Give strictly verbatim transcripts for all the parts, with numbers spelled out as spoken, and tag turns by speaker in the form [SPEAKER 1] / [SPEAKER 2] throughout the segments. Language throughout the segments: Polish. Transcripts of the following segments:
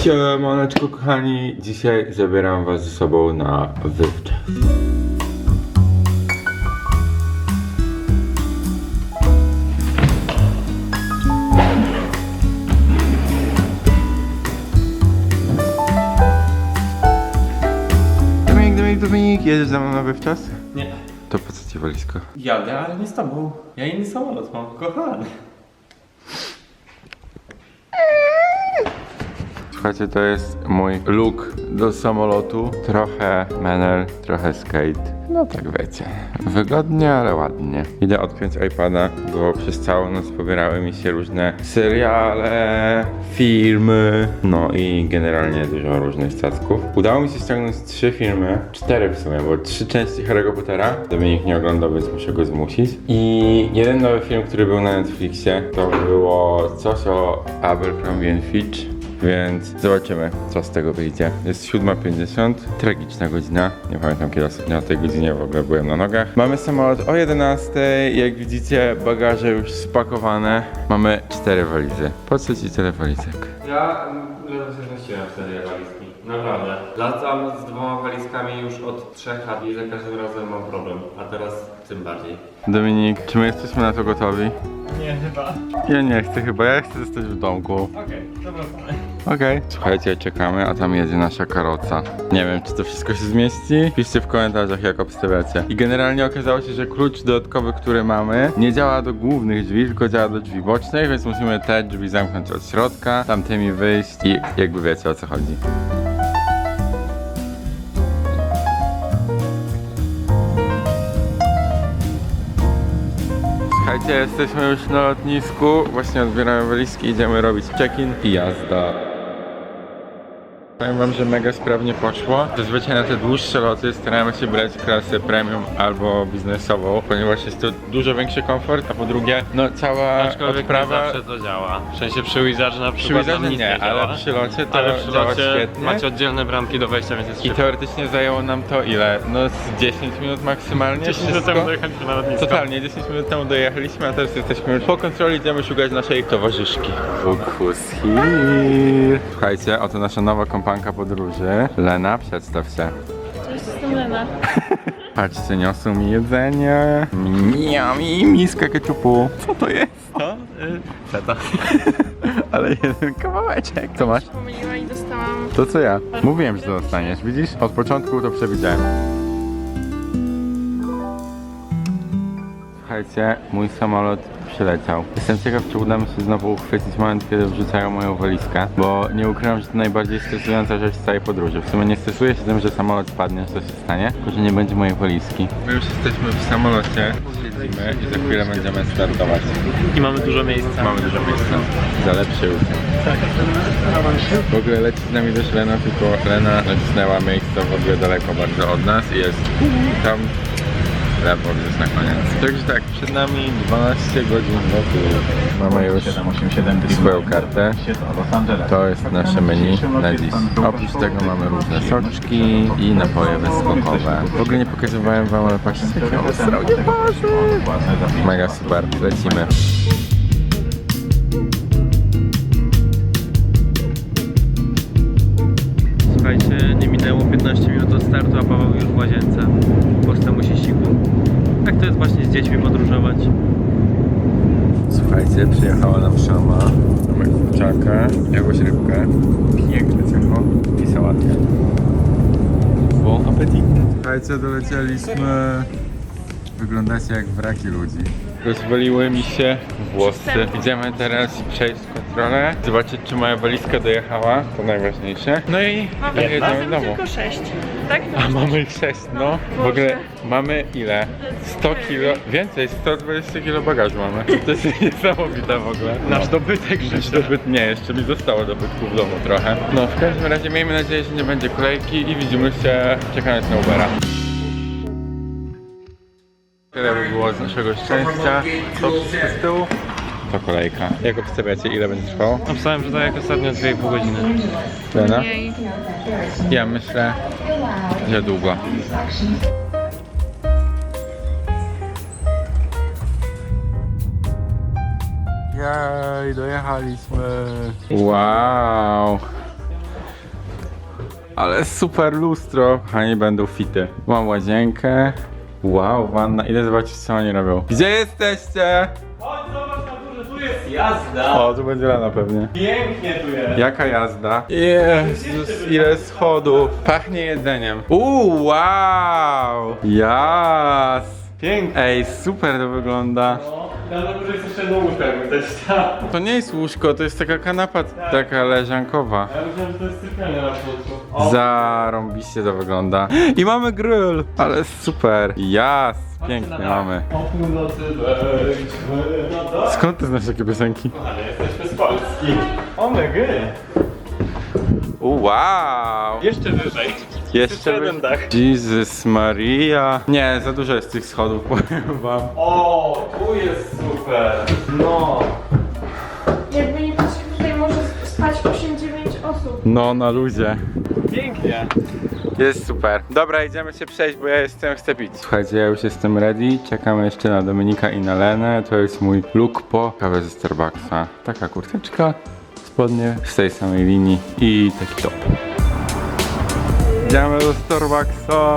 [SPEAKER 1] Siemaneczko kochani, dzisiaj zabieram was ze sobą na wywczas. Dominik, Dominik, Dominik, jedziesz ze mną na wywczas?
[SPEAKER 2] Nie.
[SPEAKER 1] To po co ci walizko?
[SPEAKER 2] Jadę, ale nie z tobą. Ja inny samolot mam, kochany.
[SPEAKER 1] Słuchajcie, to jest mój look do samolotu. Trochę menel, trochę skate. No tak wiecie. Wygodnie, ale ładnie. Idę odpiąć iPada, bo przez całą noc pobierały mi się różne seriale, filmy, no i generalnie dużo różnych statków. Udało mi się ściągnąć trzy filmy, cztery w sumie, bo trzy części Harry'ego Pottera. Dominik nie oglądał, więc muszę go zmusić. I jeden nowy film, który był na Netflixie, to było coś o Abercrombie Fitch. Więc zobaczymy, co z tego wyjdzie. Jest siódma pięćdziesiąt, tragiczna godzina. Nie pamiętam, kiedy ostatnio o tej godzinie w ogóle byłem na nogach. Mamy samolot o jedenastej. Jak widzicie, bagaże już spakowane. Mamy cztery walizy. Po co ci tyle walizek?
[SPEAKER 2] Ja ledwo się zmieściłem w te walizki. Naprawdę. Latam z dwoma walizkami już od trzech lat i za każdym razem mam problem. A teraz tym bardziej.
[SPEAKER 1] Dominik, czy my jesteśmy na to gotowi?
[SPEAKER 2] Nie, chyba.
[SPEAKER 1] Ja nie chcę chyba, ja chcę zostać w domku.
[SPEAKER 2] Okej, okay, dobra.
[SPEAKER 1] Okej. Okay. Słuchajcie, czekamy, a tam jedzie nasza karoca. Nie wiem, czy to wszystko się zmieści? Piszcie w komentarzach, jak obstawiacie. I generalnie okazało się, że klucz dodatkowy, który mamy, nie działa do głównych drzwi, tylko działa do drzwi bocznych, więc musimy te drzwi zamknąć od środka, tamtymi wyjść i jakby wiecie, o co chodzi. Słuchajcie, jesteśmy już na lotnisku, właśnie odbieramy walizki, idziemy robić check-in i jazda. Powiem wam, że mega sprawnie poszło. Zazwyczaj na te dłuższe loty staramy się brać klasę premium albo biznesową, ponieważ jest to dużo większy komfort, a po drugie, no cała
[SPEAKER 2] Aczkolwiek
[SPEAKER 1] odprawa...
[SPEAKER 2] nie zawsze to działa. W sensie przy Wizardzie na
[SPEAKER 1] Przy
[SPEAKER 2] przykład
[SPEAKER 1] Wizardzie
[SPEAKER 2] nam nic
[SPEAKER 1] nie,
[SPEAKER 2] nie działa.
[SPEAKER 1] ale przy locie to
[SPEAKER 2] ale przy
[SPEAKER 1] działa
[SPEAKER 2] locie
[SPEAKER 1] świetnie.
[SPEAKER 2] macie oddzielne bramki do wejścia, więc jest
[SPEAKER 1] I
[SPEAKER 2] szybko.
[SPEAKER 1] teoretycznie zajęło nam to ile? No z dziesięć minut maksymalnie.
[SPEAKER 2] dziesięć minut
[SPEAKER 1] wszystko.
[SPEAKER 2] temu dojechaliśmy na lotnisko.
[SPEAKER 1] Totalnie, dziesięć minut temu dojechaliśmy, a teraz jesteśmy już po kontroli, idziemy szukać naszej towarzyszki. Look who's here. Słuchajcie, oto nasza nowa kompanka podróży. Lena, przedstaw się.
[SPEAKER 3] Cześć, jestem Lena.
[SPEAKER 1] Patrzcie, niosą mi jedzenie. Miami, miska keczupu. Co to jest?
[SPEAKER 2] Co? Yy, feta.
[SPEAKER 1] Ale jeden kawałeczek. Co masz?
[SPEAKER 3] Pomyliła i dostałam...
[SPEAKER 1] To co ja? Mówiłem, że to dostaniesz, widzisz? Od początku to przewidziałem. Słuchajcie, mój samolot przyleciał. Jestem ciekaw, czy uda mi się znowu uchwycić moment, kiedy wrzucają moją walizkę, bo nie ukrywam, że to najbardziej stresująca rzecz z całej podróży. W sumie nie stresuję się tym, że samolot spadnie, że to się stanie, tylko że nie będzie mojej walizki. My już jesteśmy w samolocie, siedzimy i za chwilę będziemy startować.
[SPEAKER 2] I mamy dużo miejsca.
[SPEAKER 1] Mamy dużo miejsca. Za lepszy udział. W ogóle leci z nami też Lena, tylko Lena nacisnęła miejsce w ogóle daleko bardzo od nas i jest tam lewo gdzieś na koniec. Także tak, przed nami dwanaście godzin lotu. Mamy już swoją kartę. To jest nasze menu na dziś. Oprócz tego mamy różne soczki i napoje bezskokowe. W ogóle nie pokazywałem wam, ale patrzcie, jakie ostrogie poszły. Mega super, lecimy.
[SPEAKER 2] Słuchajcie, nie minęło piętnaście minut od startu, a Paweł już w łazience. Po temu siku. Tak to jest właśnie z dziećmi podróżować.
[SPEAKER 1] Słuchajcie, przyjechała nam szama. Mamy kurczaka, jakąś rybkę, piękne ciacho i sałatkę. Bon appetit! Słuchajcie, dolecieliśmy. Wyglądacie jak wraki ludzi. Rozwaliły mi się włosy. Idziemy teraz przejść kontrolę, zobaczyć, czy moja walizka dojechała, to najważniejsze. No i
[SPEAKER 3] Mamy
[SPEAKER 1] jedziemy do domu.
[SPEAKER 3] tylko sześć, tak?
[SPEAKER 1] A mamy ich sześć, no. W ogóle mamy ile? sto kilo, więcej, sto dwadzieścia kilo bagażu mamy. To jest niesamowite w ogóle.
[SPEAKER 2] Nasz dobytek,
[SPEAKER 1] Nasz dobyt, nie, jeszcze mi zostało dobytku w domu trochę. No, w każdym razie miejmy nadzieję, że nie będzie kolejki i widzimy się czekając na Ubera. Tyle by było z naszego szczęścia. To wszystko z tyłu. To kolejka. Jak obstawiacie, ile będzie trwało?
[SPEAKER 2] Obstałem, że to jak ostatnio dwie i pół godziny.
[SPEAKER 1] Lena?
[SPEAKER 3] Mniej.
[SPEAKER 1] Ja myślę, że długo. Jej, dojechaliśmy. Wow. Ale super lustro. Kochani, będą fity. Mam łazienkę. Wow, wanna. Idę zobaczyć, co oni robią. Gdzie jesteście?
[SPEAKER 2] Chodź, zobacz na górze, tu jest jazda.
[SPEAKER 1] O, tu będzie Lena pewnie.
[SPEAKER 2] Pięknie tu jest.
[SPEAKER 1] Jaka jazda? Jezus, ile schodów. Pachnie jedzeniem. Uuu, wow. Jas.
[SPEAKER 2] Pięknie.
[SPEAKER 1] Ej, super to wygląda.
[SPEAKER 2] No, tam na górze jest jeszcze jedno łóżko, jakby ktoś chciał.
[SPEAKER 1] To nie jest łóżko, to jest taka kanapa, taka leżankowa.
[SPEAKER 2] Ja myślałem, że to jest sypialnia na środku.
[SPEAKER 1] Zarąbiście to wygląda. I mamy grill, ale super. Jas, pięknie mamy.
[SPEAKER 2] O północy wejdźmy na dach.
[SPEAKER 1] Skąd ty znasz takie piosenki?
[SPEAKER 2] Kochanie, jesteśmy z Polski. O my gry.
[SPEAKER 1] Wow.
[SPEAKER 2] Jeszcze wyżej.
[SPEAKER 1] Jeszcze
[SPEAKER 2] jeden
[SPEAKER 1] wy-
[SPEAKER 2] dach.
[SPEAKER 1] Jezus Maria. Nie, za dużo jest tych schodów, powiem wam.
[SPEAKER 2] O, tu jest super. No.
[SPEAKER 3] Jakby nie patrzeć, tutaj może spać osiem dziewięć osób.
[SPEAKER 1] No, na luzie.
[SPEAKER 2] Pięknie.
[SPEAKER 1] Jest super. Dobra, idziemy się przejść, bo ja jestem, chcę pić. Słuchajcie, ja już jestem ready. Czekamy jeszcze na Dominika i na Lenę. To jest mój look po kawę ze Starbucksa. Taka kurteczka, spodnie z tej samej linii i taki top. Idziemy do Starbucksa.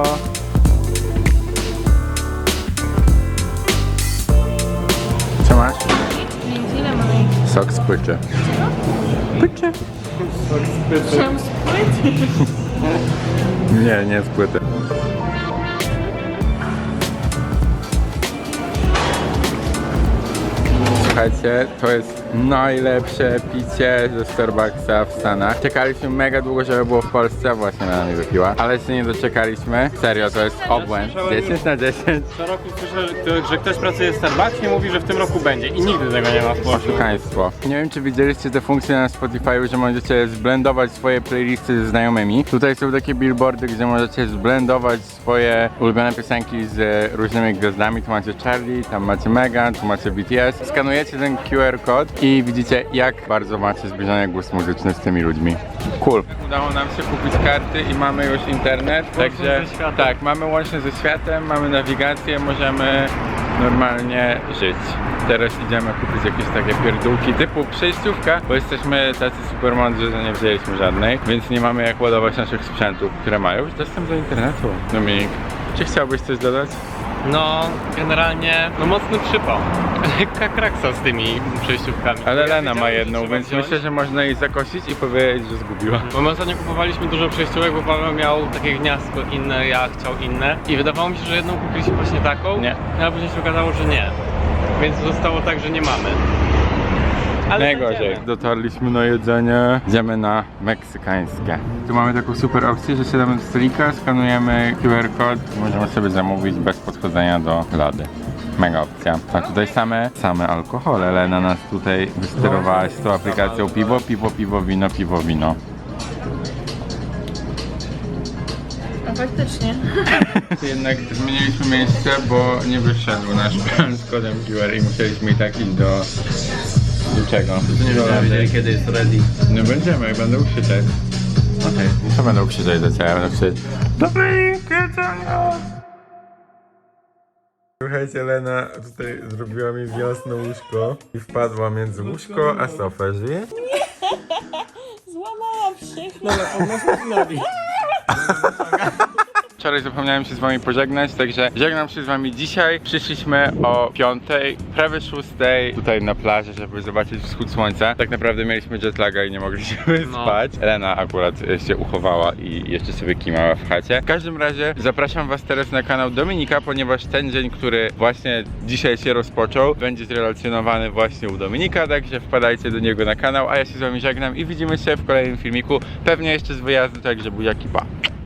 [SPEAKER 1] Co masz?
[SPEAKER 3] Nic, ile mamy?
[SPEAKER 1] Sok z płyczy. Płyczy.
[SPEAKER 3] Chciałam spłyć.
[SPEAKER 1] Nie, nie z płyty. Słuchajcie, to jest najlepsze picie ze Starbucksa w Stanach. Czekaliśmy mega długo, żeby było w Polsce, a właśnie na nami wypiła. Ale się nie doczekaliśmy. Serio, to jest obłęd. dziesięć na dziesięć.
[SPEAKER 2] Co roku słyszę, że ktoś pracuje w Starbucksie i mówi, że w tym roku będzie i nigdy tego nie ma w Polsce.
[SPEAKER 1] Oszukaństwo. Nie wiem, czy widzieliście te funkcje na Spotify, że możecie zblendować swoje playlisty ze znajomymi. Tutaj są takie billboardy, gdzie możecie zblendować swoje ulubione piosenki z różnymi gwiazdami. Tu macie Charlie, tam macie Megan, tu macie B T S. Skanujecie ten Q R kod i widzicie, jak bardzo macie zbliżony głos muzyczny z tymi ludźmi. Cool. Udało nam się kupić karty i mamy już internet, także
[SPEAKER 2] ze światem.
[SPEAKER 1] tak, mamy łącznie ze światem, mamy nawigację, możemy normalnie żyć. Teraz idziemy kupić jakieś takie pierdółki typu przejściówka, bo jesteśmy tacy super mądrzy, że nie wzięliśmy żadnej, więc nie mamy jak ładować naszych sprzętów, które mają już dostęp do internetu. Dominik, czy chciałbyś coś dodać?
[SPEAKER 2] No, generalnie, no mocny przypał. Lekka kraksa z tymi przejściówkami.
[SPEAKER 1] Ale
[SPEAKER 2] Ja
[SPEAKER 1] Lena ma
[SPEAKER 2] wiedziałem, że
[SPEAKER 1] jedną,
[SPEAKER 2] trzeba
[SPEAKER 1] więc
[SPEAKER 2] wziąć.
[SPEAKER 1] myślę, że można jej zakosić i powiedzieć, że zgubiła.
[SPEAKER 2] Bo my ostatnio kupowaliśmy dużo przejściówek, bo Paweł miał takie gniazdko inne, ja chciał inne. I wydawało mi się, że jedną kupiliśmy właśnie taką,
[SPEAKER 1] Nie.
[SPEAKER 2] a później się okazało, że nie. Więc zostało tak, że nie mamy. Ale
[SPEAKER 1] Najgorzej.
[SPEAKER 2] znajdziemy.
[SPEAKER 1] Dotarliśmy na jedzenie. Idziemy na meksykańskie. Tu mamy taką super opcję, że siadamy do stolika, skanujemy Q R kod, możemy sobie zamówić bez podchodzenia do lady. Mega opcja. A tutaj same, same alkohole. Lena nas tutaj wysterowałaś z tą aplikacją piwo, piwo, piwo, wino, piwo, wino.
[SPEAKER 3] A faktycznie.
[SPEAKER 1] Jednak zmieniliśmy miejsce, bo nie wyszedł nasz plan z kodem Q R i musieliśmy i tak iść do... do czego? Do lady.
[SPEAKER 2] kiedy jest ready.
[SPEAKER 1] No będziemy, jak będą krzyczeć. Okej. Okay. Co będą krzyczeć do ciebie? Będą krzyczeć Dominik, jedzenia! Słuchajcie, Lena tutaj zrobiła mi wiosne łóżko i wpadła między łóżko a sofę. Żyje?
[SPEAKER 3] Złamałam się.
[SPEAKER 2] No ale on nas nowi.
[SPEAKER 1] Wczoraj zapomniałem się z wami pożegnać, także żegnam się z wami dzisiaj. Przyszliśmy o piątej, prawie szóstej tutaj na plaży, żeby zobaczyć wschód słońca. Tak naprawdę mieliśmy jetlaga i nie mogliśmy
[SPEAKER 2] No.
[SPEAKER 1] spać. Lena akurat się uchowała i jeszcze sobie kimała w chacie. W każdym razie zapraszam was teraz na kanał Dominika, ponieważ ten dzień, który właśnie dzisiaj się rozpoczął, będzie zrelacjonowany właśnie u Dominika, także wpadajcie do niego na kanał, a ja się z wami żegnam i widzimy się w kolejnym filmiku, pewnie jeszcze z wyjazdu, także buziaki, pa!